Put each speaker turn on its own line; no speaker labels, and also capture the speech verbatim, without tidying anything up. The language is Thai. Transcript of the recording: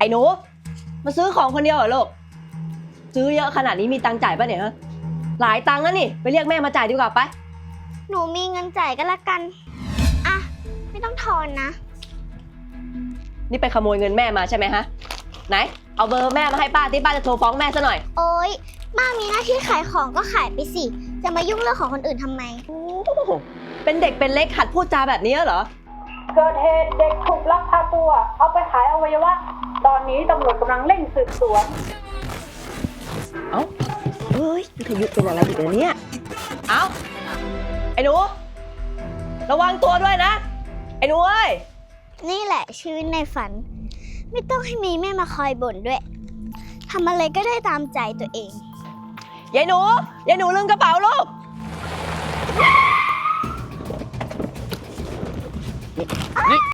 หนูมาซื้อของคนเดียวเหรอลูกซื้อเยอะขนาดนี้มีตังค์จ่ายป่ะเนี่ยฮะหลายตังค์นะนี่ไปเรียกแม่มาจ่ายดีกว่าไป
หนูมีเงินจ่ายก็แล้วกันอ่ะไม่ต้องทอนนะ
นี่ไปขโมยเงินแม่มาใช่ไหมฮะไหนเอาเบอร์แม่มาให้ป้าที่ป้าจะโทรฟ้องแม่ซะหน่อย
โอ๊ยป้ามีหน้าที่ขายของก็ขายไปสิจะมายุ่งเรื่องของคนอื่นทำไม
โอ้เป็นเด็กเป็นเล็กหัดพูดจาแบบนี้เหรอ
เกิดเหตุเด็กถูกลักพาตัวเอาไปขายอวัยวะตอนนี้ตำรวจกำลังเร่งสืบสวน
เอ้าเฮ้ยทยุเป็นอะไรอีกเนี่ยเอ้าไอ้หนูระวังตัวด้วยนะไอ้หนูเอ้ย
นี่แหละชีวิตในฝันไม่ต้องให้มีแม่มาคอยบ่นด้วยทำอะไรก็ได้ตามใจตัวเอง
ยายหนูยายหนูลืมกระเป๋าลูก
นี่